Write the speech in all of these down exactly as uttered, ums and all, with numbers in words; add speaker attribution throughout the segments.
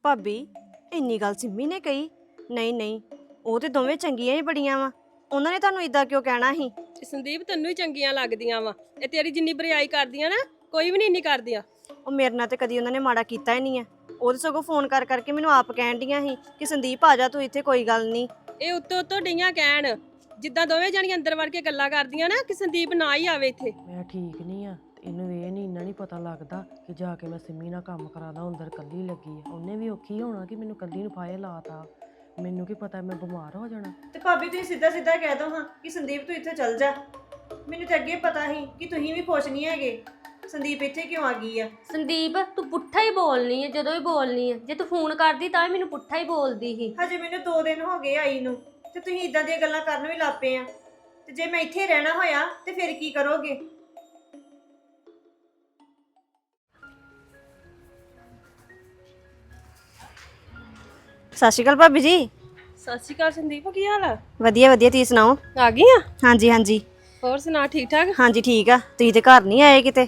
Speaker 1: ਭਾਬੀ ਇੰਨੀ ਗੱਲ ਸਿੰਮੀ ਨੇ ਕਹੀ? ਨਹੀਂ ਨਹੀਂ, ਉਹ ਤੇ ਦੋਵੇਂ ਚੰਗੀਆਂ ਹੀ ਬੜੀਆਂ ਵਾ। ਉਹਨਾਂ ਨੇ ਤੁਹਾਨੂੰ ਇਦਾਂ ਕਿਉਂ ਕਹਿਣਾ ਸੀ?
Speaker 2: ਤੇ ਸੰਦੀਪ ਤੈਨੂੰ ਹੀ ਚੰਗੀਆਂ ਲੱਗਦੀਆਂ ਵਾ। ਇਹ ਤੇਰੀ ਜਿੰਨੀ ਬਰਿਆਈ ਕਰਦੀਆਂ ਨਾ ਕੋਈ ਵੀ ਨਹੀਂ ਇੰਨੀ ਕਰਦੀਆਂ।
Speaker 1: ਉਹ ਮੇਰੇ ਨਾਲ ਤੇ ਕਦੀ ਉਹਨਾਂ ਨੇ ਮਾੜਾ ਕੀਤਾ ਹੀ ਨਹੀਂ ਹੈ। ਉਹ ਤਾਂ ਸਗੋਂ ਫੋਨ ਕਰ ਕਰਕੇ ਮੈਨੂੰ ਆਪ ਕਹਿਣ ਡੀਆਂ ਸੀ ਕਿ ਸੰਦੀਪ ਆ ਜਾ ਤੂੰ ਇੱਥੇ, ਕੋਈ ਗੱਲ ਨਹੀਂ।
Speaker 2: ਇਹ ਉੱਤੋਂ ਉੱਤੋਂ ਡਈਆਂ ਕਹਿਣ, ਜਿੱਦਾਂ ਦੋਵੇਂ ਜਾਣੀਆਂ ਅੰਦਰ ਵੜ ਕੇ ਗੱਲਾਂ ਕਰਦੀਆਂ ਨਾ ਕਿ ਸੰਦੀਪ ਨਾ ਹੀ ਆਵੇ ਇੱਥੇ।
Speaker 3: ਮੈਂ ਠੀਕ ਨਹੀਂ ਆ ਤੇ ਇਹਨੂੰ ਇਹ ਨਹੀਂ ਇੰਨਾ ਨਹੀਂ ਪਤਾ ਲੱਗਦਾ ਕਿ ਜਾ ਕੇ ਮੈਂ ਸਿੰਮੀ ਨਾਲ ਕੰਮ ਕਰਾਦਾ, ਅੰਦਰ ਕੱਲੀ ਲੱਗੀ ਆ। ਉਹਨੇ ਵੀ ਔਖੀ ਹੋਣਾ ਕਿ ਮੈਨੂੰ ਕੱਲੀ ਨੂੰ ਫਾਇਲ ਲਾਤਾ। ਮੈਨੂੰ ਕੀ ਪਤਾ ਮੈਂ ਬਿਮਾਰ ਹੋ ਜਾਣਾ।
Speaker 1: ਤੇ ਭਾਬੀ ਤੁਸੀਂ ਸਿੱਧਾ ਸਿੱਧਾ ਕਹਿ ਦੋ ਹਾਂ ਕਿ ਸੰਦੀਪ ਤੂੰ ਇੱਥੇ ਚੱਲ ਜਾ। ਮੈਨੂੰ ਤਾਂ ਅੱਗੇ ਪਤਾ ਸੀ ਕਿ ਤੁਸੀਂ ਵੀ ਖੁਸ਼ ਨਹੀਂ ਹੈਗੇ। ਸੰਦੀਪ ਇੱਥੇ ਕਿਉਂ ਆ ਗਈ ਆ?
Speaker 4: ਸੰਦੀਪ ਤੂੰ ਪੁੱਠਾ ਹੀ ਬੋਲਨੀ ਹੈ ਜਦੋਂ ਹੀ ਬੋਲਨੀ ਹੈ। ਜੇ ਤੂੰ ਫੋਨ ਕਰਦੀ ਤਾਂ ਵੀ ਮੈਨੂੰ ਪੁੱਠਾ ਹੀ ਬੋਲਦੀ ਸੀ।
Speaker 1: ਹਜੇ ਮੈਨੂੰ ਦੋ ਦਿਨ ਹੋ ਗਏ ਆਈ ਨੂੰ ਤੇ ਤੁਸੀਂ ਇਦਾਂ ਦੀਆਂ ਗੱਲਾਂ ਕਰਨ ਵੀ ਲੱਗ ਪਏ ਆ। ਤੇ ਜੇ ਮੈਂ ਇੱਥੇ ਰਹਿਣਾ ਹੋਇਆ ਤੇ ਫਿਰ ਕੀ ਕਰੋਗੇ? ਸਤਿ ਸ਼੍ਰੀ ਅਕਾਲ ਭਾਬੀ ਜੀ।
Speaker 2: ਸਤਿ ਸ਼੍ਰੀ ਅਕਾਲ ਸੰਦੀਪ, ਕੀ ਹਾਲ ਆ?
Speaker 1: ਵਧੀਆ ਵਧੀਆ, ਤੁਸੀਂ ਸੁਣਾਓ?
Speaker 2: ਆ ਗਈ ਆ?
Speaker 1: ਹਾਂਜੀ ਹਾਂਜੀ
Speaker 2: ਹੋਰ ਸੁਣਾ, ਠੀਕ ਠਾਕ?
Speaker 1: ਹਾਂਜੀ ਠੀਕ ਆ। ਤੁਸੀਂ ਤੇ ਘਰ ਨਹੀਂ ਆਏ ਕਿਤੇ?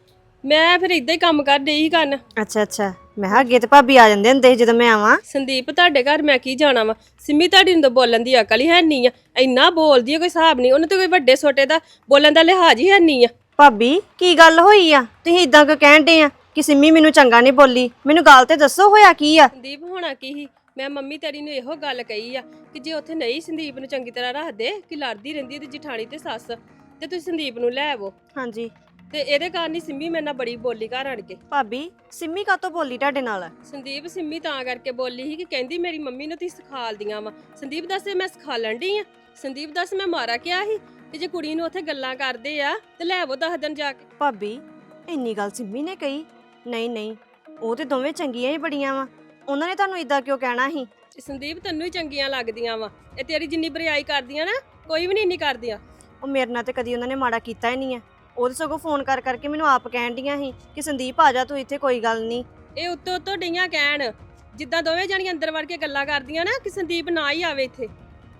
Speaker 2: ਮੈਂ ਫਿਰ ਇਦਾਂ ਹੀ ਕੰਮ ਕਰ ਡਈ ਕਰਨ।
Speaker 1: ਅੱਛਾ ਅੱਛਾ, ਮੈਂ ਕਿਹਾ ਅੱਗੇ ਤੇ ਭਾਬੀ ਆ ਜਾਂਦੇ ਹੁੰਦੇ ਸੀ ਜਦੋਂ ਮੈਂ ਆਵਾਂ।
Speaker 2: ਸੰਦੀਪ ਤੁਹਾਡੇ ਘਰ ਮੈਂ ਕੀ ਜਾਣਾ ਵਾ? ਸਿੰਮੀ ਤੁਹਾਡੀ ਨੂੰ ਤਾਂ ਬੋਲਣ ਦੀ ਅਕਲ ਹੀ ਹੈ ਨਹੀਂ ਆ। ਇੰਨਾ ਬੋਲਦੀ ਆ ਕੋਈ ਹਿਸਾਬ ਨਹੀਂ। ਉਹਨੂੰ ਤਾਂ ਕੋਈ ਵੱਡੇ ਛੋਟੇ ਦਾ ਬੋਲਣ ਦਾ ਲਿਹਾਜ਼ ਹੀ ਹੈ ਨਹੀਂ ਆ।
Speaker 1: ਭਾਬੀ ਕੀ ਗੱਲ ਹੋਈ ਆ? ਤੁਸੀਂ ਇਦਾਂ ਕਿਉਂ ਕਹਿਣ ਡੇ ਆ ਕਿ ਸਿੰਮੀ ਮੈਨੂੰ ਚੰਗਾ ਨਹੀਂ ਬੋਲੀ? ਮੈਨੂੰ ਗੱਲ ਤੇ ਦੱਸੋ, ਹੋਇਆ ਕੀ ਆ?
Speaker 2: ਸੰਦੀਪ ਹੋਣਾ ਕੀ ਸੀ, ਮੈਂ ਮੰਮੀ ਤੇਰੀ ਨੂੰ ਇਹੋ ਗੱਲ ਕਹੀ ਆ ਕਿ ਜੇ ਉੱਥੇ ਨਹੀਂ ਸੰਦੀਪ ਨੂੰ ਚੰਗੀ ਤਰ੍ਹਾਂ ਰੱਖਦੇ ਕਿ ਲੜਦੀ ਰਹਿੰਦੀ ਤੇ ਜਠਾਣੀ ਤੇ ਸੱਸ, ਤੇ ਤੁਸੀਂ ਸੰਦੀਪ ਨੂੰ ਲੈ ਆਵੋ।
Speaker 1: ਹਾਂਜੀ,
Speaker 2: ਤੇ ਇਹਦੇ ਕਾਰਨ ਹੀ ਸਿੰਮੀ ਮੇਰੇ ਨਾਲ ਬੜੀ ਬੋਲੀ ਘਰ ਆਣ ਕੇ।
Speaker 1: ਭਾਬੀ ਸਿੰਮੀ ਕਾਤੋਂ ਬੋਲੀ ਤੁਹਾਡੇ ਨਾਲ?
Speaker 2: ਸੰਦੀਪ ਸਿੰਮੀ ਤਾਂ ਕਰਕੇ ਬੋਲੀ ਸੀ ਕਿ ਕਹਿੰਦੀ ਮੇਰੀ ਮੰਮੀ ਨੂੰ ਤੁਸੀਂ ਸਿਖਾਲਦੀਆਂ ਵਾ। ਸੰਦੀਪ ਦੱਸ ਮੈਂ ਸਿਖਾਲਣ ਡਈ ਆ? ਸੰਦੀਪ ਦੱਸ ਮੈਂ ਮਾਰਾ ਕਿਹਾ ਸੀ ਕਿ ਜੇ ਕੁੜੀ ਨੂੰ ਉੱਥੇ ਗੱਲਾਂ ਕਰਦੇ ਆ ਤੇ ਲੈ ਆਵੋ ਦਸ ਦਿਨ ਜਾ ਕੇ।
Speaker 1: ਭਾਬੀ ਇੰਨੀ ਗੱਲ ਸਿੰਮੀ ਨੇ ਕਹੀ? ਨਹੀਂ ਨਹੀਂ, ਉਹ ਤੇ ਦੋਵੇਂ ਚੰਗੀਆਂ ਹੀ ਬੜੀਆਂ ਵਾ। ਉਹਨਾਂ ਨੇ ਤੁਹਾਨੂੰ ਇਦਾਂ ਕਿਉਂ ਕਹਿਣਾ ਸੀ?
Speaker 2: ਤੇ ਸੰਦੀਪ ਤੈਨੂੰ ਹੀ ਚੰਗੀਆਂ ਲੱਗਦੀਆਂ ਵਾ। ਇਹ ਤੇਰੀ ਜਿੰਨੀ ਬਰਿਆਈ ਕਰਦੀਆਂ ਨਾ ਕੋਈ ਵੀ ਨਹੀਂ ਇੰਨੀ ਕਰਦੀਆਂ।
Speaker 1: ਉਹ ਮੇਰੇ ਨਾਲ ਤੇ ਕਦੀ ਉਹਨਾਂ ਨੇ ਮਾੜਾ ਕੀਤਾ ਹੀ ਨਹੀਂ ਹੈ। ਉਹ ਤਾਂ ਸਗੋਂ ਫੋਨ ਕਰ ਕਰਕੇ ਮੈਨੂੰ ਆਪ ਕਹਿਣ ਡੀਆਂ ਸੀ ਕਿ ਸੰਦੀਪ ਆ ਜਾ ਤੂੰ ਇੱਥੇ, ਕੋਈ ਗੱਲ ਨਹੀਂ।
Speaker 2: ਇਹ ਉੱਤੋਂ ਉੱਤੋਂ ਡਈਆਂ ਕਹਿਣ, ਜਿੱਦਾਂ ਦੋਵੇਂ ਜਾਣੀਆਂ ਅੰਦਰ ਵੜ ਕੇ ਗੱਲਾਂ ਕਰਦੀਆਂ ਨਾ ਕਿ ਸੰਦੀਪ ਨਾ ਹੀ ਆਵੇ ਇੱਥੇ।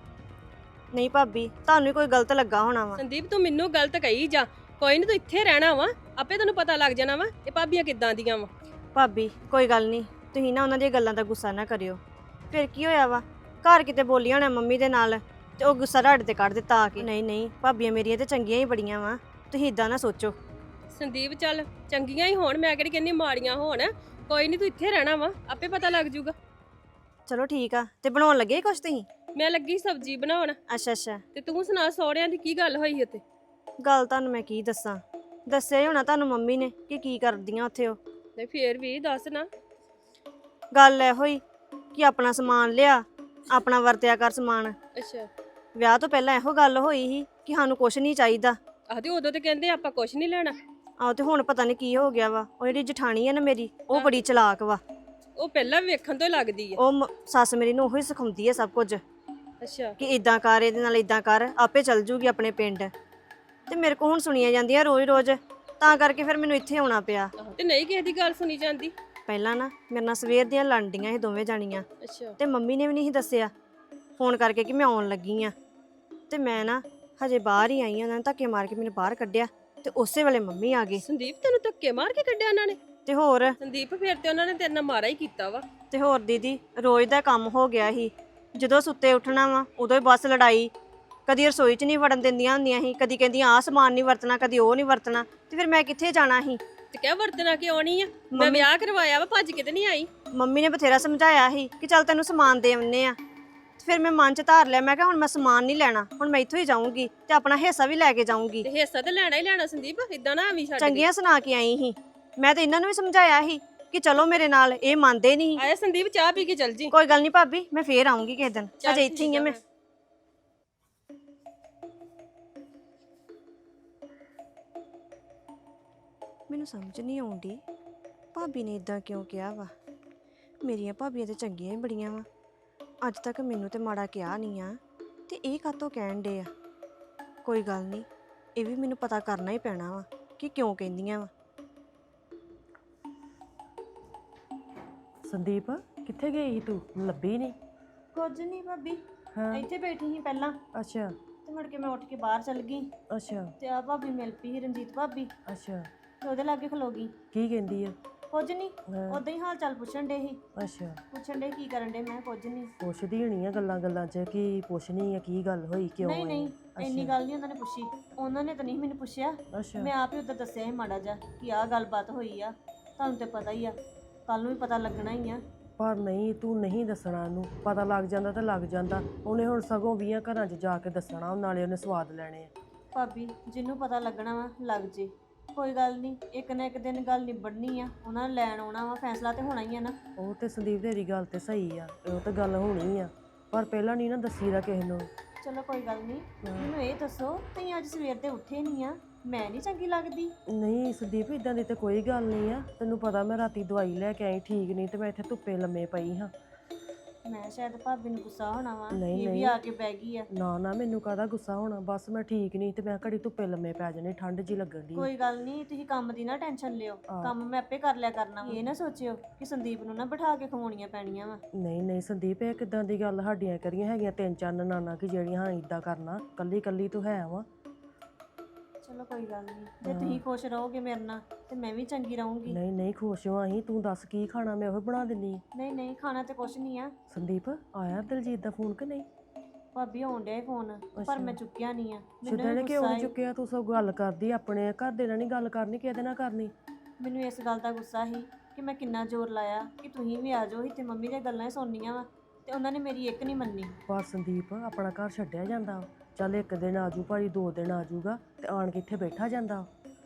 Speaker 1: ਨਹੀਂ ਭਾਬੀ, ਤੁਹਾਨੂੰ ਹੀ ਕੋਈ ਗਲਤ ਲੱਗਾ ਹੋਣਾ ਵਾ।
Speaker 2: ਸੰਦੀਪ ਤੂੰ ਮੈਨੂੰ ਗਲਤ ਕਹੀ ਜਾ, ਕੋਈ ਨਹੀਂ ਤੂੰ ਇੱਥੇ ਰਹਿਣਾ ਵਾ, ਆਪੇ ਤੈਨੂੰ ਪਤਾ ਲੱਗ ਜਾਣਾ ਵਾ ਇਹ ਭਾਬੀਆਂ ਕਿੱਦਾਂ ਦੀਆਂ ਵਾ।
Speaker 1: ਭਾਬੀ ਕੋਈ ਗੱਲ ਨਹੀਂ, ਤੁਸੀਂ ਨਾ ਉਹਨਾਂ ਦੀਆਂ ਗੱਲਾਂ ਦਾ ਗੁੱਸਾ ਨਾ ਕਰਿਓ। ਫਿਰ ਕੀ ਹੋਇਆ ਵਾ? ਘਰ ਕਿਤੇ ਬੋਲੀ ਹੋਣਾ ਮੰਮੀ ਦੇ ਨਾਲ ਤੇ ਉਹ ਗੁੱਸਾ ਤੁਹਾਡੇ ਤੇ ਕੱਢ ਦਿੱਤਾ ਆ ਕੇ। ਨਹੀਂ ਨਹੀਂ, ਭਾਬੀਆਂ ਮੇਰੀਆਂ ਤੇ ਚੰਗੀਆਂ ਹੀ ਬੜੀਆਂ ਵਾ, ਤੁਸੀਂ ਇਦਾਂ ਨਾ ਸੋਚੋ।
Speaker 2: ਸੰਦੀਪ ਚੱਲ ਚੰਗੀਆਂ ਹੀ ਹੋਣ, ਮੈਂ ਕਿਹੜੀ ਕਹਿੰਦੀ ਮਾੜੀਆਂ ਹੋਣ। ਕੋਈ ਨਹੀਂ ਤੂੰ ਇੱਥੇ ਰਹਿਣਾ ਵਾ, ਆਪੇ ਪਤਾ ਲੱਗ ਜੂਗਾ।
Speaker 1: ਚਲੋ ਠੀਕ ਆ। ਤੇ ਬਣਾਉਣ ਲੱਗੇ ਕੁਛ ਤੁਸੀਂ?
Speaker 2: ਮੈਂ ਲੱਗੀ ਸਬਜ਼ੀ ਬਣਾਉਣ।
Speaker 1: ਅੱਛਾ ਅੱਛਾ,
Speaker 2: ਤੇ ਤੂੰ ਸੁਣਾ ਸਹੁਰਿਆਂ ਦੀ ਕੀ ਗੱਲ ਹੋਈ ਉੱਥੇ?
Speaker 1: ਗੱਲ ਤੁਹਾਨੂੰ ਮੈਂ ਕੀ ਦੱਸਾਂ, ਦੱਸਿਆ ਹੀ ਹੋਣਾ ਤੁਹਾਨੂੰ ਮੰਮੀ ਨੇ ਕਿ ਕੀ ਕਰਦੀਆਂ ਉੱਥੇ ਉਹ।
Speaker 2: ਤੇ ਫੇਰ ਵੀ ਦੱਸ ਨਾ।
Speaker 1: ਗੱਲ ਇਹੋ ਹੀ ਕਿ ਆਪਣਾ ਸਮਾਨ ਲਿਆ, ਆਪਣਾ ਵਰਤਿਆ ਕਰ ਸਮਾਨ।
Speaker 2: ਅੱਛਾ,
Speaker 1: ਵਿਆਹ ਤੋਂ ਪਹਿਲਾਂ ਇਹੋ ਗੱਲ ਹੋਈ ਸੀ ਕਿ ਸਾਨੂੰ ਕੁਛ ਨਹੀਂ ਚਾਹੀਦਾ।
Speaker 2: ਆਹਦੀ ਉਦੋਂ ਤੇ ਕਹਿੰਦੇ ਆਪਾਂ ਕੁਛ ਨਹੀਂ ਲੈਣਾ।
Speaker 1: ਆਹੋ, ਤੇ ਹੁਣ ਪਤਾ ਨਹੀਂ ਕੀ ਹੋ ਗਿਆ ਵਾ। ਉਹ ਜਿਹੜੀ ਜਠਾਣੀ ਹੈ ਨਾ ਮੇਰੀ, ਉਹ ਬੜੀ ਚਲਾਕ ਵਾ।
Speaker 2: ਉਹ ਪਹਿਲਾਂ ਵੇਖਣ ਤੋਂ ਹੀ ਲੱਗਦੀ ਆ।
Speaker 1: ਉਹ ਮ- ਸੱਸ ਮੇਰੀ ਨੂੰ ਉਹੀ ਸਿਖਾਉਂਦੀ ਹੈ ਸਭ ਕੁਝ
Speaker 2: ਅੱਛਾ,
Speaker 1: ਕਿ ਇਦਾਂ ਕਰ, ਇਹਦੇ ਨਾਲ ਇਦਾਂ ਕਰ, ਆਪੇ ਚੱਲ ਜੂਗੀ ਆਪਣੇ ਪਿੰਡ। ਤੇ ਮੇਰੇ ਕੋਲ ਹੁਣ ਸੁਣੀਆਂ ਜਾਂਦੀਆਂ ਰੋਜ਼-ਰੋਜ਼, ਤਾਂ ਕਰਕੇ ਫਿਰ ਮੈਨੂੰ ਇੱਥੇ ਆਉਣਾ ਪਿਆ।
Speaker 2: ਤੇ ਨਹੀਂ ਕਿਸੇ ਦੀ ਗੱਲ ਸੁਣੀ ਜਾਂਦੀ?
Speaker 1: ਪਹਿਲਾਂ ਨਾ ਮੇਰੇ ਨਾਲ ਸਵੇਰ ਦੀਆਂ ਲੜਦੀਆਂ ਸੀ ਦੋਵੇਂ ਜਾਣੀਆਂ,
Speaker 2: ਅੱਛਾ,
Speaker 1: ਤੇ ਮੰਮੀ ਨੇ ਵੀ ਨਹੀਂ ਦੱਸਿਆ ਫੋਨ ਕਰਕੇ ਕਿ ਮੈਂ ਆਉਣ ਲੱਗੀ ਆ। ਤੇ ਮੈਂ ਨਾ ਹਜੇ ਬਾਹਰ ਹੀ ਆਈ ਆ, ਉਹਨਾਂ ਨੇ ਧੱਕੇ ਮਾਰ ਕੇ ਮੈਨੂੰ ਬਾਹਰ ਕੱਢਿਆ ਤੇ ਉਸੇ ਵੇਲੇ ਮੰਮੀ ਆ ਗਏ।
Speaker 2: ਸੰਦੀਪ ਤੈਨੂੰ ਧੱਕੇ ਮਾਰ ਕੇ ਕੱਢਿਆ ਉਹਨਾਂ ਨੇ?
Speaker 1: ਤੇ ਹੋਰ
Speaker 2: ਸੰਦੀਪ ਫਿਰ ਤੇ ਉਹਨਾਂ ਨੇ ਤੇਰੇ ਨਾਲ ਮਾਰਾ ਹੀ ਕੀਤਾ ਵਾ।
Speaker 1: ਤੇ ਹੋਰ ਦੀਦੀ, ਰੋਜ਼ ਦਾ ਕੰਮ ਹੋ ਗਿਆ ਸੀ। ਜਦੋਂ ਸੁੱਤੇ ਉੱਠਣਾ ਵਾ ਉਦੋਂ ਹੀ ਬਸ ਲੜਾਈ। ਕਦੀ ਰਸੋਈ 'ਚ ਨਹੀਂ ਵੜਨ ਦਿੰਦੀਆਂ ਹੁੰਦੀਆਂ ਸੀ, ਕਦੀ ਕਹਿੰਦੀਆਂ ਆਹ ਸਮਾਨ ਨਹੀਂ ਵਰਤਣਾ, ਕਦੀ ਉਹ ਨਹੀਂ ਵਰਤਣਾ। ਤੇ ਫਿਰ ਮੈਂ ਕਿੱਥੇ ਜਾਣਾ ਸੀ?
Speaker 2: ਤੇ ਕਹਿ ਵਰਤਣਾ ਕਿ ਆਉਣੀ ਆ, ਮੈਂ ਵਿਆਹ ਕਰਵਾਇਆ ਵਾ, ਭੱਜ ਕੇ ਤੇ ਨਹੀਂ ਆਈ।
Speaker 1: ਮੰਮੀ ਨੇ ਬਥੇਰਾ ਸਮਝਾਇਆ ਸੀ ਕਿ ਚੱਲ ਤੈਨੂੰ ਸਮਾਨ ਦੇ ਆਉਂਦੇ ਆ। ਫਿਰ ਮੈਂ ਮਨ 'ਚ ਧਾਰ ਲਿਆ, ਮੈਂ ਕਿਹਾ ਹੁਣ ਮੈਂ ਸਮਾਨ ਨਹੀਂ ਲੈਣਾ, ਹੁਣ ਮੈਂ ਇੱਥੋਂ ਹੀ ਜਾਊਂਗੀ ਤੇ ਆਪਣਾ ਹਿੱਸਾ ਵੀ ਲੈ ਕੇ ਜਾਊਂਗੀ।
Speaker 2: ਤੇ ਹਿੱਸਾ ਤੇ ਲੈਣਾ ਹੀ ਲੈਣਾ ਸੰਦੀਪ, ਇਦਾਂ ਨਾ ਆਵੀਂ ਛੱਡ ਕੇ।
Speaker 1: ਚੰਗੀਆਂ ਸੁਣਾ ਕੇ ਆਈ ਸੀ ਮੈਂ, ਤੇ ਇਹਨਾਂ ਨੂੰ ਵੀ ਸਮਝਾਇਆ ਸੀ ਕਿ ਚਲੋ ਮੇਰੇ ਨਾਲ, ਇਹ ਮੰਨਦੇ ਨਹੀਂ।
Speaker 2: ਆਇਆ ਸੰਦੀਪ, ਚਾਹ ਪੀ ਕੇ ਚੱਲ ਜੀ।
Speaker 1: ਕੋਈ ਗੱਲ ਨਹੀਂ ਭਾਬੀ, ਮੈਂ ਫੇਰ ਆਉਂਗੀ ਕਿਸੇ ਦਿਨ, ਅਜੇ ਇੱਥੇ ਹੀ ਆ ਮੈਂ। ਮੈਨੂੰ ਸਮਝ ਨਹੀਂ ਆਉਂਦੀ ਭਾਬੀ ਨੇ ਇਦਾਂ ਕਿਉਂ ਕਿਹਾ ਵਾ। ਮੇਰੀਆਂ ਭਾਬੀਆਂ ਤੇ ਚੰਗੀਆਂ ਹੀ ਬੜੀਆਂ ਵਾ, ਅੱਜ ਤੱਕ ਮੈਨੂੰ ਤੇ ਮਾੜਾ ਕਿਹਾ ਨਹੀਂ ਆ, ਤੇ ਇਹ ਕਾਹਤੋਂ ਕਹਿਣ ਡੇ ਆ। ਕੋਈ ਗੱਲ ਨਹੀਂ, ਇਹ ਵੀ ਮੈਨੂੰ ਪਤਾ ਕਰਨਾ ਹੀ ਪੈਣਾ ਵਾ ਕਿ ਕਿਉਂ ਕਹਿੰਦੀਆਂ ਵਾ।
Speaker 3: ਸੰਦੀਪ ਕਿੱਥੇ ਗਈ ਸੀ ਤੂੰ? ਲੱਭੀ ਨਹੀਂ।
Speaker 1: ਕੁਝ ਨਹੀਂ ਭਾਬੀ,
Speaker 3: ਹਾਂ,
Speaker 1: ਇੱਥੇ ਬੈਠੀ ਸੀ ਪਹਿਲਾਂ,
Speaker 3: ਅੱਛਾ
Speaker 1: ਤੇ ਮੁੜ ਕੇ ਮੈਂ ਉੱਠ ਕੇ ਬਾਹਰ ਚੱਲ ਗਈ
Speaker 3: ਅੱਛਾ
Speaker 1: ਤੇ ਆ ਭਾਬੀ ਮਿਲ ਪਈ ਸੀ, ਰਣਜੀਤ ਭਾਬੀ,
Speaker 3: ਅੱਛਾ।
Speaker 1: ਤੇ ਉਹਦੇ ਲਾਗੇ ਖਲੋ ਗਈ।
Speaker 3: ਕੀ ਕਹਿੰਦੀ ਆ?
Speaker 1: ਕੁਝ ਨਹੀਂ,
Speaker 3: ਹਾਂ,
Speaker 1: ਉਦਾਂ ਹੀ ਹਾਲ ਚਾਲ ਪੁੱਛਣ ਡੇ ਸੀ।
Speaker 3: ਅੱਛਾ
Speaker 1: ਪੁੱਛਣ ਡੇ ਕੀ ਕਰਨ ਡੇ, ਮੈਂ ਕੁਝ ਨਹੀਂ।
Speaker 3: ਪੁੱਛਦੀ ਹੋਣੀ ਆ ਗੱਲਾਂ ਗੱਲਾਂ 'ਚ ਕਿ ਪੁੱਛਣੀ ਆ ਕੀ ਗੱਲ ਹੋਈ ਕਿਉਂ
Speaker 1: ਨਹੀਂ
Speaker 3: ਆਈ?
Speaker 1: ਨਹੀਂ, ਇੰਨੀ
Speaker 3: ਅੱਛਾ
Speaker 1: ਗੱਲ ਨਹੀਂ ਉਹਨਾਂ ਨੇ ਪੁੱਛੀ। ਉਹਨਾਂ ਨੇ ਤਾਂ ਨਹੀਂ ਮੈਨੂੰ ਪੁੱਛਿਆ,
Speaker 3: ਅੱਛਾ
Speaker 1: ਮੈਂ ਆਪ ਹੀ ਉਦੋਂ ਦੱਸਿਆ ਸੀ ਮਾੜਾ ਜਿਹਾ ਕਿ ਆਹ ਗੱਲਬਾਤ ਹੋਈ ਆ। ਤੁਹਾਨੂੰ ਤੇ ਪਤਾ ਹੀ ਆ, ਕੱਲ ਨੂੰ ਵੀ ਪਤਾ ਲੱਗਣਾ ਹੀ ਆ।
Speaker 3: ਪਰ ਨਹੀਂ ਤੂੰ ਨਹੀਂ ਦੱਸਣਾ ਉਹਨੂੰ, ਪਤਾ ਲੱਗ ਜਾਂਦਾ ਤਾਂ ਲੱਗ ਜਾਂਦਾ। ਉਹਨੇ ਹੁਣ ਸਗੋਂ ਵੀਹਾਂ ਘਰਾਂ 'ਚ ਜਾ ਕੇ ਦੱਸਣਾ, ਨਾਲੇ ਉਹਨੇ ਸਵਾਦ ਲੈਣੇ ਆ।
Speaker 1: ਭਾਬੀ ਜਿਹਨੂੰ ਪਤਾ ਲੱਗਣਾ ਵਾ ਲੱਗ ਜੇ, ਕੋਈ ਗੱਲ ਨਹੀਂ, ਇੱਕ ਨਾ ਇੱਕ ਦਿਨ ਗੱਲ ਨਿਬੜਨੀ ਆ। ਉਹਨਾਂ ਨੇ ਲੈਣ ਆਉਣਾ ਵਾ, ਫੈਸਲਾ ਤੇ ਹੋਣਾ ਹੀ ਆ ਨਾ।
Speaker 3: ਉਹ ਤੇ ਸੰਦੀਪ ਤੇਰੀ ਗੱਲ ਤੇ ਸਹੀ ਆ, ਉਹ ਤੇ ਗੱਲ ਹੋਣੀ ਆ, ਪਰ ਪਹਿਲਾਂ ਨਹੀਂ ਨਾ ਦੱਸੀਦਾ ਕਿਸੇ ਨੂੰ।
Speaker 1: ਚਲੋ ਕੋਈ ਗੱਲ ਨਹੀਂ, ਮੈਨੂੰ ਇਹ ਦੱਸੋ ਤੁਸੀਂ ਅੱਜ ਸਵੇਰ ਦੇ ਉੱਠੇ ਨਹੀਂ ਆ, ਮੈਂ ਨਹੀਂ ਚੰਗੀ ਲੱਗਦੀ?
Speaker 3: ਨਹੀਂ ਸੰਦੀਪ ਇਦਾਂ ਦੀ ਤੇ ਕੋਈ ਗੱਲ ਨਹੀਂ ਆ, ਤੈਨੂੰ ਪਤਾ ਮੈਂ ਰਾਤੀ ਦਵਾਈ ਲੈ ਕੇ ਆਈ ਠੀਕ ਨਹੀਂ ਤੇ ਮੈਂ ਇੱਥੇ ਧੁੱਪੇ ਲੰਮੇ ਪਈ ਹਾਂ।
Speaker 1: ਮੈਂ ਸ਼ਾਇਦ ਭਾਬੀ ਨੂੰ ਗੁੱਸਾ ਹੋਣਾ ਵਾ,
Speaker 3: ਨਹੀਂ,
Speaker 1: ਇਹ ਵੀ
Speaker 3: ਨਹੀਂ।
Speaker 1: ਆ ਕੇ ਬਹਿ ਗਈ ਆ।
Speaker 3: ਨਾ ਨਾ ਮੈਨੂੰ ਕਾਹਦਾ ਗੁੱਸਾ ਹੋਣਾ, ਬਸ ਮੈਂ ਠੀਕ ਨਹੀਂ ਤੇ ਮੈਂ ਘੜੀ ਧੁੱਪੇ ਲੰਮੇ ਪੈ ਜਾਣੇ, ਠੰਡ ਜੀ ਲੱਗਣ ਦੀ।
Speaker 1: ਕੋਈ ਗੱਲ ਨਹੀਂ, ਤੁਸੀਂ ਕੰਮ ਦੀ ਨਾ ਟੈਨਸ਼ਨ ਲਿਓ,
Speaker 3: ਹਾਂ।
Speaker 1: ਕੰਮ ਮੈਂ ਆਪੇ ਕਰ ਲਿਆ ਕਰਨਾ ਵਾ। ਇਹ ਨਾ ਸੋਚਿਓ ਕਿ ਸੰਦੀਪ ਨੂੰ ਨਾ ਬਿਠਾ ਕੇ ਖਵਾਉਣੀਆਂ ਪੈਣੀਆਂ ਵਾ।
Speaker 3: ਨਹੀਂ ਨਹੀਂ ਸੰਦੀਪ ਇਹ ਕਿਦਾਂ ਦੀ ਗੱਲ, ਸਾਡੀਆਂ ਕਰੀਆਂ ਹੈਗੀਆਂ ਤਿੰਨ ਚਾਰ ਨਨਾਣਾ ਕਿ ਜਿਹੜੀਆਂ ਹਾਂ ਇਦਾਂ ਕਰਨਾ, ਕੱਲੀ ਕੱਲੀ ਤੂੰ ਹੈ ਵਾ।
Speaker 1: ਚਲੋ ਕੋਈ ਗੱਲ ਨਹੀਂ, ਜੇ ਤੁਸੀਂ ਖੁਸ਼ ਰਹੋਗੇ ਮੇਰੇ ਨਾਲ ਤੇ ਮੈਂ ਵੀ ਚੰਗੀ ਰਹੂੰਗੀ।
Speaker 3: ਨਹੀਂ ਨਹੀਂ ਖੁਸ਼ ਹਾਂ ਅਸੀਂ, ਤੂੰ ਦੱਸ ਕੀ ਖਾਣਾ ਮੈਂ ਉਹ ਬਣਾ ਦਿੰਨੀ ਆ।
Speaker 1: ਨਹੀਂ ਨਹੀਂ, ਖਾਣਾ ਤੇ ਕੁਛ ਨਹੀਂ ਆ।
Speaker 3: ਸੰਦੀਪ ਆਇਆ ਦਿਲਜੀਤ ਦਾ ਫੋਨ ਕਿ ਨਹੀਂ?
Speaker 1: ਭਾਬੀ ਆਉਣ ਡਿਆ ਫੋਨ, ਪਰ ਮੈਂ ਚੁੱਕਿਆ ਨਹੀਂ ਆ।
Speaker 3: ਸਿੱਧਾ
Speaker 1: ਮੈਨੂੰ
Speaker 3: ਨੇ
Speaker 1: ਇਹ
Speaker 3: ਕਿਉਂ
Speaker 1: ਗੁੱਸਾ
Speaker 3: ਨਹੀਂ
Speaker 1: ਏ-
Speaker 3: ਚੁੱਕਿਆ? ਤੂੰ ਸਭ ਗੱਲ ਕਰਦੀ ਆਪਣੇ ਘਰ ਦੇ ਨਾਲ ਨਹੀਂ ਗੱਲ ਕਰਨੀ, ਕਿਹਦੇ ਨਾਲ ਕਰਨੀ?
Speaker 1: ਮੈਨੂੰ ਇਸ ਗੱਲ ਦਾ ਗੁੱਸਾ ਸੀ ਕਿ ਮੈਂ ਕਿੰਨਾ ਜ਼ੋਰ ਲਾਇਆ ਕਿ ਤੁਸੀਂ ਵੀ ਆ ਜਾਓ ਹੀ ਤੇ ਮੰਮੀ ਦੀਆਂ ਗੱਲਾਂ ਹੀ ਸੁਣਨੀਆਂ ਵਾ, ਤੇ ਉਹਨਾਂ ਨੇ ਮੇਰੀ ਇੱਕ ਨਹੀਂ ਮੰਨੀ।
Speaker 3: ਪਰ ਸੰਦੀਪ ਆਪਣਾ ਘਰ ਛੱਡਿਆ ਜਾਂਦਾ ਵਾ। ਚੱਲ ਇੱਕ ਦਿਨ ਆਜੂ ਭਾਈ, ਦੋ ਦਿਨ ਆਜੂਗਾ ਤੇ ਆਣ ਕੇ ਇੱਥੇ ਬੈਠਾ ਜਾਂਦਾ।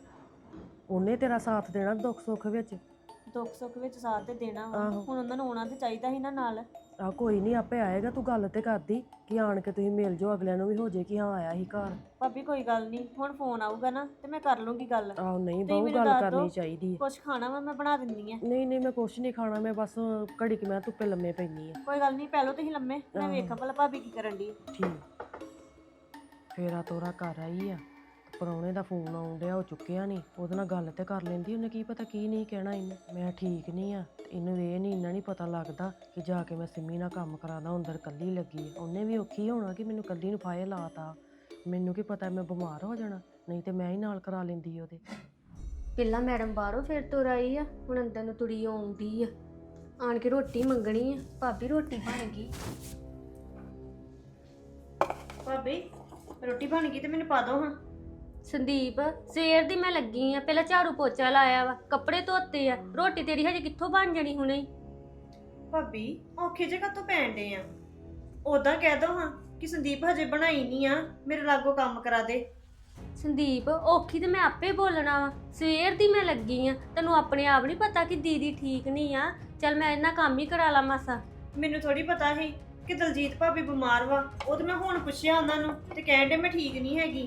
Speaker 3: ਉਹਨੇ ਤੇਰਾ ਸਾਥ ਦੇਣਾ ਦੁੱਖ ਸੁੱਖ ਵਿੱਚ।
Speaker 1: ਦੁੱਖ ਸੁੱਖ ਵਿੱਚ ਸਾਥ ਤੇ ਦੇਣਾ ਵਾ,
Speaker 3: ਆਹੋ।
Speaker 1: ਹੁਣ ਉਹਨਾਂ ਨੂੰ ਆਉਣਾ ਤੇ ਚਾਹੀਦਾ ਸੀ ਨਾ ਨਾਲ।
Speaker 3: ਆ ਕੋਈ ਨਹੀਂ ਆਪੇ ਆਏਗਾ, ਤੂੰ ਗੱਲ ਤੇ ਕਰਦੀ ਕਿ ਆਣ ਕੇ ਤੁਸੀਂ ਮਿਲ ਜਾਓ, ਅਗਲਿਆਂ ਨੂੰ ਵੀ ਹੋ ਜੇ ਕਿ ਹਾਂ ਆਇਆ ਸੀ ਘਰ।
Speaker 1: ਭਾਬੀ ਕੋਈ ਗੱਲ ਨਹੀਂ, ਹੁਣ ਫੋਨ ਆਊਗਾ ਨਾ ਤੇ ਮੈਂ ਕਰ ਲੂੰਗੀ ਗੱਲ।
Speaker 3: ਆਹੋ ਨਹੀਂ
Speaker 1: ਤੁਸੀਂ
Speaker 3: ਬਹੁ
Speaker 1: ਮੈਨੂੰ
Speaker 3: ਗੱਲ
Speaker 1: ਦੱਸ
Speaker 3: ਕਰਨੀ
Speaker 1: ਦਿਓ।
Speaker 3: ਚਾਹੀਦੀ ਹੈ।
Speaker 1: ਕੁਛ ਖਾਣਾ ਵਾ ਮੈਂ ਬਣਾ ਦਿੰਦੀ ਆ।
Speaker 3: ਨਹੀਂ ਨਹੀਂ ਮੈਂ ਕੁਛ ਨਹੀਂ ਖਾਣਾ, ਮੈਂ ਬਸ ਘੜੀ ਕਿ ਮੈਂ ਧੁੱਪੇ ਲੰਮੇ ਪੈਣੀ ਆ।
Speaker 1: ਕੋਈ ਗੱਲ ਨਹੀਂ, ਪਹਿਲਾਂ ਤੁਸੀਂ ਲੰਮੇ, ਮੈਂ
Speaker 3: ਆਹੋ।
Speaker 1: ਵੇਖਾਂ ਭਲਾ ਭਾਬੀ ਕੀ ਕਰਨ ਦੀ।
Speaker 3: ਠੀਕ ਫੇਰਾ ਤੋਰਾ ਘਰ ਆਈ ਆ, ਪਰੌਣੇ ਦਾ ਫੋਨ ਆਉਣ ਡਿਆ, ਉਹ ਚੁੱਕਿਆ ਨਹੀਂ। ਉਹਦੇ ਨਾਲ ਗੱਲ ਤੇ ਕਰ ਲੈਂਦੀ, ਉਹਨੇ ਕੀ ਪਤਾ ਕੀ ਨਹੀਂ ਕਹਿਣਾ ਇਹਨੂੰ। ਮੈਂ ਠੀਕ ਨਹੀਂ ਆ ਤੇ ਇਹਨੂੰ ਇਹ ਨਹੀਂ ਇੰਨਾ ਨਹੀਂ ਪਤਾ ਲੱਗਦਾ ਕਿ ਜਾ ਕੇ ਮੈਂ ਸਿੰਮੀ ਨਾਲ ਕੰਮ ਕਰਾਦਾ, ਅੰਦਰ ਕੱਲੀ ਲੱਗੀ ਆ। ਉਹਨੇ ਵੀ ਔਖੀ ਹੋਣਾ ਕਿ ਮੈਨੂੰ ਕੱਲੀ ਨੂੰ ਫਾਇਲ ਲਾਤਾ। ਮੈਨੂੰ ਕੀ ਪਤਾ ਮੈਂ ਬਿਮਾਰ ਹੋ ਜਾਣਾ, ਨਹੀਂ ਤੇ ਮੈਂ ਹੀ ਨਾਲ ਕਰਾ ਲੈਂਦੀ ਉਹਦੇ।
Speaker 4: ਪਹਿਲਾਂ ਮੈਡਮ ਬਾਹਰੋਂ ਫਿਰ ਤੁਰ ਆਈ ਆ, ਹੁਣ ਅੰਦਰ ਨੂੰ ਤੁਰੀ ਆਉਂਦੀ ਆ। ਆਣ ਕੇ ਰੋਟੀ ਮੰਗਣੀ ਆ, ਭਾਬੀ ਰੋਟੀ ਬਣ ਗਈ।
Speaker 1: ਭਾਬੀ ਰੋਟੀ ਬਣ ਗਈ ਤੇ ਮੈਨੂੰ ਪਾ ਦਿਓ ਹਾਂ।
Speaker 4: ਸੰਦੀਪ ਸਵੇਰ ਦੀ ਮੈਂ ਲੱਗੀ ਆ, ਪਹਿਲਾਂ ਝਾੜੂ ਪੋਚਾ ਲਾਇਆ ਵਾ, ਕੱਪੜੇ ਧੋਤੇ ਆ, ਰੋਟੀ ਤੇਰੀ ਹਜੇ ਕਿੱਥੋਂ ਬਣ ਜਾਣੀ ਹੁਣੇ ਹੀ।
Speaker 1: ਭਾਬੀ ਔਖੇ ਜੇ ਕਾਤੋਂ ਪੈਣ ਡੇ ਆ? ਉਦਾਂ ਕਹਿ ਦੋ ਹਾਂ ਕਿ ਸੰਦੀਪ ਹਜੇ ਬਣਾਈ ਨਹੀਂ ਆ, ਮੇਰੇ ਲਾਗੋਂ ਕੰਮ ਕਰਾ ਦੇ।
Speaker 4: ਸੰਦੀਪ ਔਖੀ ਤੇ ਮੈਂ ਆਪੇ ਬੋਲਣਾ ਵਾ, ਸਵੇਰ ਦੀ ਮੈਂ ਲੱਗੀ ਆ। ਤੈਨੂੰ ਆਪਣੇ ਆਪ ਨਹੀਂ ਪਤਾ ਕਿ ਦੀਦੀ ਠੀਕ ਨਹੀਂ ਆ? ਚੱਲ ਮੈਂ ਇਹਨਾਂ ਕੰਮ ਹੀ ਕਰਾ ਲਾ ਮਾਸਾ।
Speaker 1: ਮੈਨੂੰ ਥੋੜੀ ਪਤਾ ਸੀ ਕਿ ਦਲਜੀਤ ਭਾਬੀ ਬਿਮਾਰ ਵਾ, ਉਹ ਤੇ ਮੈਂ ਹੁਣ ਪੁੱਛਿਆ ਉਹਨਾਂ ਨੂੰ ਤੇ ਕਹਿਣ ਡੇ ਮੈਂ ਠੀਕ ਨਹੀਂ ਹੈਗੀ।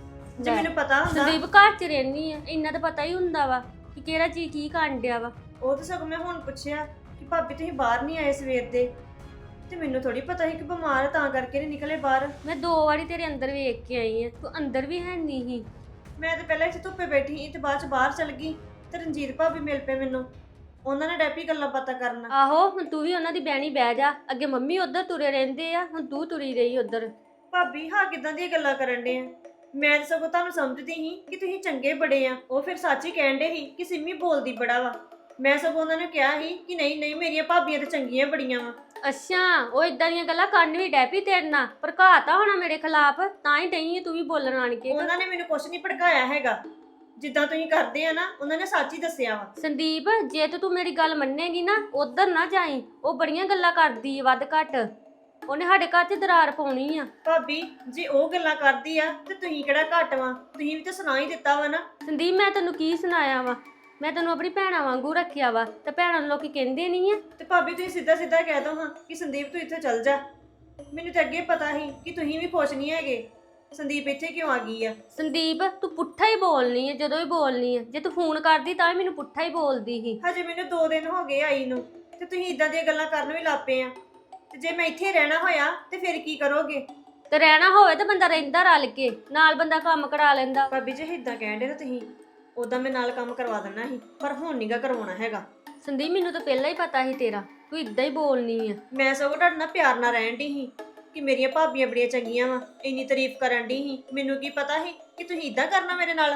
Speaker 1: ਜੇ
Speaker 4: ਲੈ,
Speaker 1: ਮੈਨੂੰ ਪਤਾ ਹੁੰਦਾ
Speaker 4: ਸੰਦੀਪ ਘਰ ਚ ਰਹਿਨੀ ਆ, ਇੰਨਾ ਤਾਂ ਪਤਾ ਹੀ ਹੁੰਦਾ ਵਾ ਕਿ ਕਿਹੜਾ ਚੀਜ਼ ਕੀ ਕਰਨ ਡਿਆ ਵਾ।
Speaker 1: ਉਹ ਤਾਂ ਸਗੋਂ ਮੈਂ ਹੁਣ ਪੁੱਛਿਆ ਕਿ ਭਾਬੀ ਤੁਸੀਂ ਬਾਹਰ ਨਹੀਂ ਆਏ ਸਵੇਰ ਦੇ, ਤੇ ਮੈਨੂੰ ਥੋੜੀ ਪਤਾ ਸੀ ਕਿ ਬਿਮਾਰ ਆ, ਤਾਂ ਕਰਕੇ ਨਹੀਂ ਨਿਕਲੇ ਬਾਹਰ।
Speaker 4: ਮੈਂ ਦੋ ਵਾਰੀ ਤੇਰੇ ਅੰਦਰ ਵੇਖ ਕੇ ਆਈ ਆ, ਤੂੰ ਅੰਦਰ ਵੀ ਹੈ ਨਹੀਂ ਸੀ।
Speaker 1: ਮੈਂ ਤਾਂ ਪਹਿਲਾਂ ਇੱਥੇ ਧੁੱਪੇ ਬੈਠੀ ਸੀ ਤੇ ਬਾਅਦ ਚ ਬਾਹਰ ਚਲ ਗਈ ਤੇ ਰਣਜੀਤ ਭਾਬੀ ਮਿਲ ਪਏ ਮੈਨੂੰ, ਉਹਨਾਂ ਨੇ ਡੈਪੀ ਗੱਲਾਂ ਬਾਤਾਂ ਕਰਨਾ।
Speaker 4: ਆਹੋ ਹੁਣ ਤੂੰ ਵੀ ਉਹਨਾਂ ਦੀ ਬਹਿਣੀ ਬਹਿ ਜਾ, ਅੱਗੇ ਮੰਮੀ ਉੱਧਰ ਤੁਰੇ ਰਹਿੰਦੇ ਆ, ਹੁਣ ਤੂੰ ਤੁਰੀ ਰਹੀ ਉੱਧਰ।
Speaker 1: ਭਾਬੀ ਹਾਂ ਕਿਦਾਂ ਦੀਆਂ ਗੱਲਾਂ ਕਰਨ ਡੇ ਆ? ਮੈਂ ਤਾਂ ਸਗੋਂ ਤੁਹਾਨੂੰ ਸਮਝਦੀ ਸੀ ਕਿ ਤੁਸੀਂ ਚੰਗੇ ਬੜੇ ਆ। ਉਹ ਫਿਰ ਸੱਚ ਹੀ ਕਹਿਣ ਡੇ ਸੀ ਕਿ ਸਿੰਮੀ ਬੋਲਦੀ ਬੜਾ ਵਾ। ਮੈਂ ਸਗੋਂ ਉਹਨਾਂ ਨੂੰ ਕਿਹਾ ਸੀ ਕਿ ਨਹੀਂ ਨਹੀਂ ਮੇਰੀਆਂ ਭਾਬੀਆਂ ਤਾਂ ਚੰਗੀਆਂ ਬੜੀਆਂ ਵਾ।
Speaker 4: ਅੱਛਾ ਉਹ ਇਦਾਂ ਦੀਆਂ ਗੱਲਾਂ ਕਰਨ ਵੀ ਡੈਪੀ ਤੇਰੇ ਨਾਲ ਭੜਕਾਤਾ ਹੋਣਾ ਮੇਰੇ ਖਿਲਾਫ, ਤਾਂ ਹੀ ਡਈ ਤੂੰ ਵੀ ਬੋਲਣ ਆਣ ਕੇ।
Speaker 1: ਉਹਨਾਂ ਨੇ ਮੈਨੂੰ ਕੁਛ ਨਹੀਂ ਭੜਕਾਇਆ ਹੈਗਾ, ਜਿੱਦਾਂ ਤੁਸੀਂ ਕਰਦੇ ਆ ਨਾ ਉਹਨਾਂ ਨੇ ਸੱਚ ਹੀ ਦੱਸਿਆ ਵਾ।
Speaker 4: ਸੰਦੀਪ ਜੇ ਤੇ ਤੂੰ ਮੇਰੀ ਗੱਲ ਮੰਨੇਗੀ ਨਾ ਉਧਰ ਨਾ ਜਾਈ, ਉਹ ਬੜੀਆਂ ਗੱਲਾਂ ਕਰਦੀ ਆ ਵੱਧ ਘੱਟ, ਉਹਨੇ ਸਾਡੇ ਘਰ 'ਚ ਦਰਾਰ ਪਾਉਣੀ ਆ।
Speaker 1: ਭਾਬੀ ਜੇ ਉਹ ਗੱਲਾਂ ਕਰਦੀ ਆ ਤੇ ਤੁਸੀਂ ਕਿਹੜਾ ਘੱਟ ਵਾ? ਤੁਸੀਂ ਵੀ ਤਾਂ ਸੁਣਾ ਹੀ ਦਿੱਤਾ ਵਾ ਨਾ।
Speaker 4: ਸੰਦੀਪ ਮੈਂ ਤੈਨੂੰ ਕੀ ਸੁਣਾਇਆ ਵਾ? ਮੈਂ ਤੈਨੂੰ ਆਪਣੀ ਭੈਣਾਂ ਵਾਂਗੂ ਰੱਖਿਆ ਵਾ, ਤੇ ਭੈਣਾਂ ਨੂੰ ਲੋਕੀ ਕਹਿੰਦੇ ਨਹੀਂ ਆ।
Speaker 1: ਤੇ ਭਾਬੀ ਤੁਸੀਂ ਸਿੱਧਾ ਸਿੱਧਾ ਕਹਿ ਦੋ ਹਾਂ ਕਿ ਸੰਦੀਪ ਤੂੰ ਇੱਥੇ ਚੱਲ ਜਾ। ਮੈਨੂੰ ਤਾਂ ਅੱਗੇ ਪਤਾ ਸੀ ਕਿ ਤੁਸੀਂ ਵੀ ਖੁਸ਼ ਨਹੀਂ ਹੈਗੇ, ਸੰਦੀਪ ਇੱਥੇ ਕਿਉਂ ਆ ਗਈ ਆ?
Speaker 4: ਸੰਦੀਪ ਤੂੰ ਪੁੱਠਾ ਹੀ ਬੋਲਨੀ ਆ, ਜਦੋਂ ਵੀ ਬੋਲਨੀ ਆ। ਜੇ ਤੂੰ ਫੋਨ ਕਰਦੀ ਤਾਂ ਵੀ ਮੈਨੂੰ ਪੁੱਠਾ ਹੀ ਬੋਲਦੀ ਸੀ।
Speaker 1: ਹਜੇ ਮੈਨੂੰ ਦੋ ਦਿਨ ਹੋ ਗਏ ਆਈ ਨੂੰ ਤੇ ਤੁਸੀਂ ਇਦਾਂ ਦੀਆਂ ਗੱਲਾਂ ਕਰਨ ਵੀ ਲੱਗ ਪਏ ਆ। ਤੇ ਜੇ ਮੈਂ ਇੱਥੇ ਰਹਿਣਾ ਹੋਇਆ ਤੇ ਫਿਰ ਕੀ ਕਰੋਗੇ?
Speaker 4: ਤੇ ਰਹਿਣਾ ਹੋਵੇ ਤਾਂ ਬੰਦਾ ਰਹਿੰਦਾ ਰਲ ਕੇ, ਨਾਲ ਬੰਦਾ ਕੰਮ ਕਰਾ ਲੈਂਦਾ।
Speaker 1: ਭਾਬੀ ਜੇ ਇਦਾਂ ਕਹਿੰਦੇ ਨਾ ਤੁਸੀਂ, ਉਦਾਂ ਮੈਂ ਨਾਲ ਕੰਮ ਕਰਵਾ ਦੇਣਾ ਸੀ, ਪਰ ਹੁਣ ਨਹੀਂਗਾ ਕਰਵਾਉਣਾ ਹੈਗਾ।
Speaker 4: ਸੰਦੀਪ ਮੈਨੂੰ ਤਾਂ ਪਹਿਲਾਂ ਹੀ ਪਤਾ ਸੀ ਤੇਰਾ, ਤੂੰ ਇਦਾਂ ਹੀ ਬੋਲਨੀ ਆ।
Speaker 1: ਮੈਂ ਸਗੋਂ ਤੁਹਾਡੇ ਨਾਲ ਪਿਆਰ ਨਾਲ ਰਹਿਣ ਦੀ ਸੀ ਕਿ ਮੇਰੀਆਂ ਭਾਬੀਆਂ ਬੜੀਆਂ ਚੰਗੀਆਂ ਵਾ, ਇੰਨੀ ਤਾਰੀਫ ਕਰਨ ਦੀ ਸੀ। ਮੈਨੂੰ ਕੀ ਪਤਾ ਸੀ ਕਿ ਤੁਸੀਂ ਇਦਾਂ ਕਰਨਾ ਮੇਰੇ ਨਾਲ।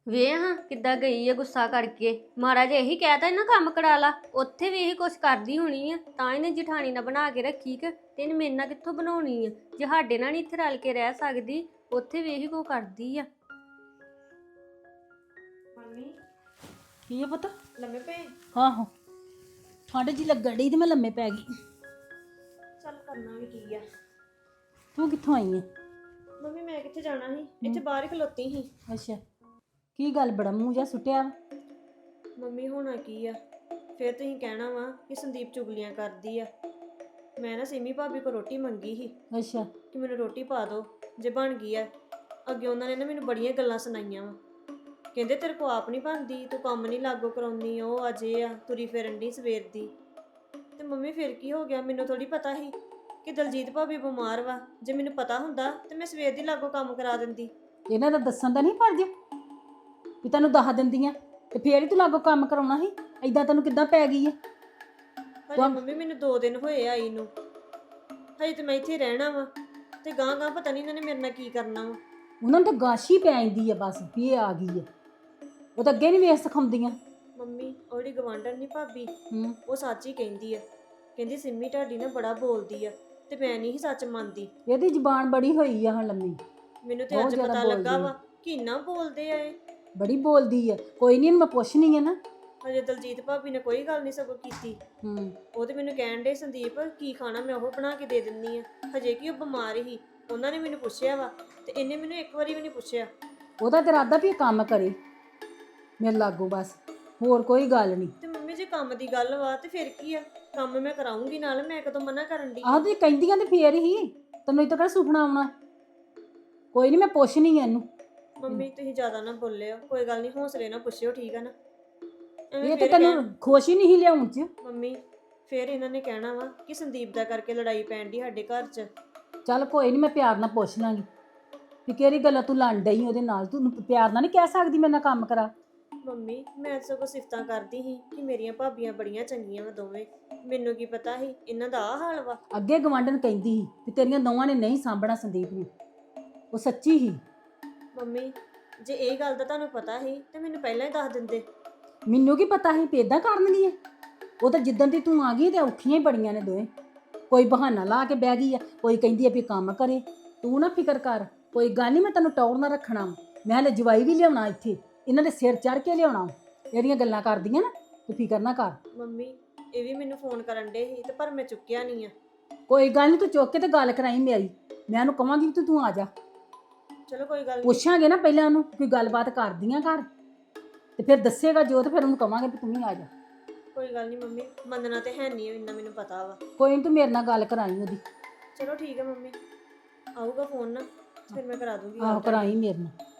Speaker 4: ਵੇ ਹਾਂ ਕਿੱਦਾਂ ਗਈ ਆ ਗੁੱਸਾ ਕਰਕੇ। ਮਾੜਾ ਜਿਹਾ ਇਹੀ ਕਹਿਤਾ ਨਾ ਕੰਮ ਕਰਾ ਲਾ, ਉੱਥੇ ਵੀ ਇਹੀ ਕੁਛ ਕਰਦੀ ਹੋਣੀ ਆ, ਤਾਂ ਇਹਨੇ ਜਠਾਣੀ ਨਾਲ ਬਣਾ ਕੇ ਰੱਖੀ ਕਿ ਤੇ ਇਹਨੇ ਮੇਰੇ ਨਾਲ ਕਿੱਥੋਂ ਬਣਾਉਣੀ ਆ। ਜੇ ਸਾਡੇ ਨਾਲ ਨਹੀਂ ਇੱਥੇ ਰਲ ਕੇ ਰਹਿ ਸਕਦੀ, ਉੱਥੇ ਵੀ ਇਹੀ ਕੋ ਕਰਦੀ ਆ।
Speaker 1: ਮੰਮੀ
Speaker 5: ਕੀ ਆ ਪੁੱਤ?
Speaker 1: ਲੰਮੇ ਪਏ?
Speaker 5: ਆਹੋ ਠੰਡ ਜੀ ਲੱਗਣ ਡਈ ਤੇ ਮੈਂ ਲੰਮੇ ਪੈ ਗਈ।
Speaker 1: ਚੱਲ ਕਰਨਾ ਵੀ ਕੀ ਆ।
Speaker 5: ਤੂੰ ਕਿੱਥੋਂ ਆਈ ਹੈ?
Speaker 1: ਮੰਮੀ ਮੈਂ ਕਿੱਥੇ ਜਾਣਾ ਸੀ, ਇੱਥੇ ਬਾਹਰ ਹੀ ਖਲੋਤੀ ਸੀ।
Speaker 5: ਅੱਛਾ ਕੀ ਗੱਲ ਬੜਾ ਮੂੰਹ ਜਾ ਸੁੱਟਿਆ ਵਾ?
Speaker 1: ਮੰਮੀ ਹੋਣਾ ਕੀ ਆ, ਫਿਰ ਤੁਸੀਂ ਕਹਿਣਾ ਵਾ ਕਿ ਸੰਦੀਪ ਚੁਗਲੀਆਂ ਕਰਦੀ ਆ। ਮੈਂ ਨਾ ਸਿੰਮੀ ਭਾਬੀ ਕੋ ਰੋਟੀ ਮੰਗੀ ਸੀ
Speaker 5: ਅੱਛਾ
Speaker 1: ਕਿ ਮੈਨੂੰ ਰੋਟੀ ਪਾ ਦਿਓ ਜੇ ਬਣ ਗਈ ਆ। ਅੱਗੇ ਉਹਨਾਂ ਨੇ ਨਾ ਮੈਨੂੰ ਬੜੀਆਂ ਗੱਲਾਂ ਸੁਣਾਈਆਂ ਵਾ। ਕਹਿੰਦੇ ਤੇਰੇ ਕੋ ਆਪ ਨਹੀਂ ਬਣਦੀ, ਤੂੰ ਕੰਮ ਨਹੀਂ ਲਾਗੋ ਕਰਾਉਣੀ, ਉਹ ਅਜੇ ਆ ਤੁਰੀ ਫਿਰਨ ਦੀ ਸਵੇਰ ਦੀ। ਤੇ ਮੰਮੀ ਫਿਰ ਕੀ ਹੋ ਗਿਆ, ਮੈਨੂੰ ਥੋੜੀ ਪਤਾ ਸੀ ਕਿ ਦਲਜੀਤ ਭਾਬੀ ਬਿਮਾਰ ਵਾ। ਜੇ ਮੈਨੂੰ ਪਤਾ ਹੁੰਦਾ ਤੇ ਮੈਂ ਸਵੇਰ ਦੀ ਲਾਗੋ ਕੰਮ ਕਰਾ ਦਿੰਦੀ।
Speaker 5: ਇਹਨਾਂ ਦਾ ਦੱਸਣ ਦਾ ਨਹੀਂ ਫਰਜ਼ ਵੀ ਤੈਨੂੰ ਦੱਸ ਦਿੰਦੀਆਂ ਤੇ ਫੇਰ ਹੀ ਤੂੰ ਲਾਗੋ ਕੰਮ ਕਰਾਉਣਾ ਸੀ। ਐਦਾਂ ਤੈਨੂੰ ਕਿੱਦਾਂ ਪੈ ਗਈ ਹੈ?
Speaker 1: ਹਜੇ ਮੰਮੀ ਮੈਨੂੰ ਦੋ ਦਿਨ ਹੋਏ ਆਈ ਨੂੰ, ਹਜੇ ਤੇ ਮੈਂ ਇੱਥੇ ਰਹਿਣਾ ਵਾ ਤੇ ਗਾਂ ਗਾਂ ਪਤਾ ਨਹੀਂ ਇਹਨਾਂ ਨੇ ਮੇਰੇ ਨਾਲ ਕੀ ਕਰਨਾ ਵਾ।
Speaker 5: ਉਹਨਾਂ ਨੂੰ ਤਾਂ ਗਾਸ਼ੀ ਪੈ ਜਾਂਦੀ ਆ ਬਸ ਵੀ ਇਹ ਆ ਗਈ ਹੈ। ਉਹ ਤਾਂ ਅੱਗੇ ਨਹੀਂ ਵੇਖ ਸਿਖਾਉਂਦੀਆਂ।
Speaker 1: ਮੰਮੀ ਉਹਦੀ ਗਵਾਂਢਣ ਨਹੀਂ ਭਾਬੀ,
Speaker 5: ਹੂੰ
Speaker 1: ਉਹ ਸੱਚ ਹੀ ਕਹਿੰਦੀ ਆ। ਕਹਿੰਦੀ ਸਿੰਮੀ ਤੁਹਾਡੀ ਨਾ ਬੜਾ ਬੋਲਦੀ ਆ, ਤੇ ਮੈਂ ਨਹੀਂ ਸੀ ਸੱਚ ਮੰਨਦੀ।
Speaker 5: ਇਹਦੀ ਜ਼ੁਬਾਨ ਬੜੀ ਹੋਈ ਆ ਹੁਣ ਲੰਮੀ,
Speaker 1: ਮੈਨੂੰ ਤੇ
Speaker 5: ਬਹੁਤ
Speaker 1: ਅੱਜ
Speaker 5: ਜ਼ਿਆਦਾ
Speaker 1: ਪਤਾ ਲੱਗਾ
Speaker 5: ਬੋਲਦੀ
Speaker 1: ਵਾ ਕਿ ਇੰਨਾ ਬੋਲਦੇ ਆ ਇਹ।
Speaker 5: ਬੜੀ ਬੋਲਦੀ ਆ। ਕੋਈ ਨਹੀਂ ਮੈਂ ਪੁੱਛਣੀ ਆ ਨਾ।
Speaker 1: ਹਜੇ ਦਲਜੀਤ ਭਾਬੀ ਨੇ ਕੋਈ ਗੱਲ ਨਹੀਂ ਸਗੋਂ ਕੀਤੀ।
Speaker 5: ਹੂੰ
Speaker 1: ਉਹ ਤੇ ਮੈਨੂੰ ਕਹਿਣ ਡੇ ਸੰਦੀਪ ਕੀ ਖਾਣਾ ਮੈਂ ਉਹ ਬਣਾ ਕੇ ਦੇ ਦਿੰਨੀ ਆ। ਹਜੇ ਕਿ ਉਹ ਬਿਮਾਰ ਹੀ, ਉਹਨਾਂ ਨੇ ਮੈਨੂੰ ਪੁੱਛਿਆ ਵਾ ਤੇ ਇਹਨੇ ਮੈਨੂੰ ਇੱਕ ਵਾਰੀ ਵੀ ਨਹੀਂ ਪੁੱਛਿਆ।
Speaker 5: ਉਹਦਾ ਤੇ ਇਰਾਦਾ ਵੀ ਇਹ ਕੰਮ ਕਰੇ ਮੇਰੇ ਲਾਗੋ, ਬਸ ਹੋਰ ਕੋਈ ਗੱਲ ਨਹੀਂ।
Speaker 1: ਤੇ ਮੰਮੀ ਜੇ ਕੰਮ ਦੀ ਗੱਲ ਵਾ ਤੇ ਫਿਰ ਕੀ ਆ, ਕੰਮ ਮੈਂ ਕਰਾਉਂਗੀ ਨਾਲ, ਮੈਂ ਕਦੋਂ ਮਨਾ ਕਰਨ ਦੀ।
Speaker 5: ਆਹ ਤੇ ਕਹਿੰਦੀਆਂ ਤੇ ਫੇਰ ਹੀ ਤੈਨੂੰ ਇੱਥੇ ਕਿਹੜਾ ਸੁਪਨਾ ਆਉਣਾ। ਕੋਈ ਨਹੀਂ ਮੈਂ ਪੁੱਛਣੀ ਆ ਇਹਨੂੰ।
Speaker 1: ਮੰਮੀ ਤੁਸੀਂ ਜ਼ਿਆਦਾ ਨਾ ਬੋਲਿਓ, ਕੋਈ ਗੱਲ ਨਹੀਂ, ਹੌਸਲੇ ਨਾਲ ਪੁੱਛਿਓ, ਠੀਕ ਆ ਨਾ। ਐਵੇਂ
Speaker 5: ਇਹ ਤੇ
Speaker 1: ਫਿਰ
Speaker 5: ਤੈਨੂੰ ਖੁਸ਼ ਹੀ ਨਹੀਂ ਲਿਆਉਣ ਚ।
Speaker 1: ਮੰਮੀ ਫਿਰ ਇਹਨਾਂ ਨੇ ਕਹਿਣਾ ਵਾ ਕਿ ਸੰਦੀਪ ਦਾ ਕਰਕੇ ਲੜਾਈ ਪੈਣ ਦੀ ਸਾਡੇ ਘਰ 'ਚ।
Speaker 5: ਚੱਲ ਕੋਈ ਨਹੀਂ ਮੈਂ ਪਿਆਰ ਨਾਲ ਪੁੱਛ ਲਾਂਗੀ ਵੀ ਕਿਹੜੀ ਗੱਲਾਂ ਤੂੰ ਲੜ ਡਈ ਉਹਦੇ ਨਾਲ। ਤੂੰ ਪਿਆਰ ਨਾਲ ਨਹੀਂ ਕਹਿ ਸਕਦੀ ਮੇਰੇ ਨਾਲ ਕੰਮ ਕਰਾ।
Speaker 1: ਮੰਮੀ ਮੈਂ ਤਾਂ ਸਗੋਂ ਸਿਫਤਾਂ ਕਰਦੀ ਸੀ ਕਿ ਮੇਰੀਆਂ ਭਾਬੀਆਂ ਬੜੀਆਂ ਚੰਗੀਆਂ ਵਾ ਦੋਵੇਂ। ਮੈਨੂੰ ਕੀ ਪਤਾ ਸੀ ਇਹਨਾਂ ਦਾ ਆਹ ਹਾਲ ਵਾ।
Speaker 5: ਅੱਗੇ ਗਵਾਂਢਣ ਕਹਿੰਦੀ ਸੀ ਕਿ ਤੇਰੀਆਂ ਦੋਵਾਂ ਨੇ ਨਹੀਂ ਸਾਂਭਣਾ ਸੰਦੀਪ ਨੂੰ। ਉਹ ਸੱਚੀ ਹੀ।
Speaker 1: ਮੰਮੀ ਜੇ ਇਹ ਗੱਲ ਦਾ ਤੁਹਾਨੂੰ ਪਤਾ ਸੀ ਤੇ ਮੈਨੂੰ ਪਹਿਲਾਂ ਹੀ ਦੱਸ ਦਿੰਦੇ।
Speaker 5: ਮੈਨੂੰ ਕੀ ਪਤਾ ਸੀ ਵੀ ਏਦਾਂ ਕਰਨਗੀਆਂ। ਉਹ ਤਾਂ ਜਿੱਦਣ ਦੀ ਤੂੰ ਆ ਗਈ ਤੇ ਔਖੀਆਂ ਹੀ ਬੜੀਆਂ ਨੇ ਦੋਵੇਂ। ਕੋਈ ਬਹਾਨਾ ਲਾ ਕੇ ਬਹਿ ਗਈ ਆ, ਕੋਈ ਕਹਿੰਦੀ ਆ ਵੀ ਕੰਮ ਕਰੇ। ਤੂੰ ਨਾ ਫਿਕਰ ਕਰ, ਕੋਈ ਗੱਲ ਨਹੀਂ, ਮੈਂ ਤੈਨੂੰ ਟੌਰ ਨਾ ਰੱਖਣਾ। ਮੈਂ ਹਲੇ ਜਵਾਈ ਵੀ ਲਿਆਉਣਾ ਇੱਥੇ, ਇਹਨਾਂ ਦੇ ਸਿਰ ਚੜ ਕੇ ਲਿਆਉਣਾ। ਜਿਹੜੀਆਂ ਗੱਲਾਂ ਕਰਦੀਆਂ ਨਾ ਤੂੰ ਫਿਕਰ ਨਾ ਕਰ।
Speaker 1: ਮੰਮੀ ਇਹ ਵੀ ਮੈਨੂੰ ਫੋਨ ਕਰਨ ਡੇ ਸੀ ਤੇ ਪਰ ਮੈਂ ਚੁੱਕਿਆ ਨਹੀਂ ਆ।
Speaker 5: ਕੋਈ ਗੱਲ ਨਹੀਂ, ਤੂੰ ਚੁੱਕ ਕੇ ਤੇ ਗੱਲ ਕਰਾਈ ਮੇਰੀ। ਮੈਂ ਉਹਨੂੰ ਕਵਾਂਗੀ ਵੀ ਤੂੰ ਤੂੰ ਆ ਜਾ।
Speaker 1: ਚਲੋ ਕੋਈ ਗੱਲ ਨਹੀਂ।
Speaker 5: ਪੁੱਛਾਂਗੇ ਨਾ ਪਹਿਲਾਂ ਉਹਨੂੰ ਕੋਈ ਗੱਲਬਾਤ ਕਰਦੀਆਂ ਘਰ, ਤੇ ਫਿਰ ਦੱਸੇਗਾ ਜੋ, ਤੇ ਫਿਰ ਉਹਨੂੰ ਕਵਾਂਗੇ ਵੀ ਤੂੰ ਵੀ ਆ ਜਾ।
Speaker 1: ਕੋਈ ਗੱਲ ਨਹੀਂ ਮੰਮੀ, ਮੰਨਣਾ ਤੇ ਹੈ ਨਹੀਂ, ਇੰਨਾ ਮੈਨੂੰ ਪਤਾ ਵਾ।
Speaker 5: ਕੋਈ ਨਹੀਂ, ਤੂੰ ਮੇਰੇ ਨਾਲ ਗੱਲ ਕਰਾਈ ਉਹਦੀ।
Speaker 1: ਚਲੋ ਠੀਕ ਹੈ ਮੰਮੀ, ਆਊਗਾ ਫੋਨ ਨਾ ਫਿਰ ਮੈਂ ਕਰਾ ਦੂੰਗੀ।
Speaker 5: ਆਹੋ ਕਰਾਈ ਮੇਰੇ ਨਾਲ।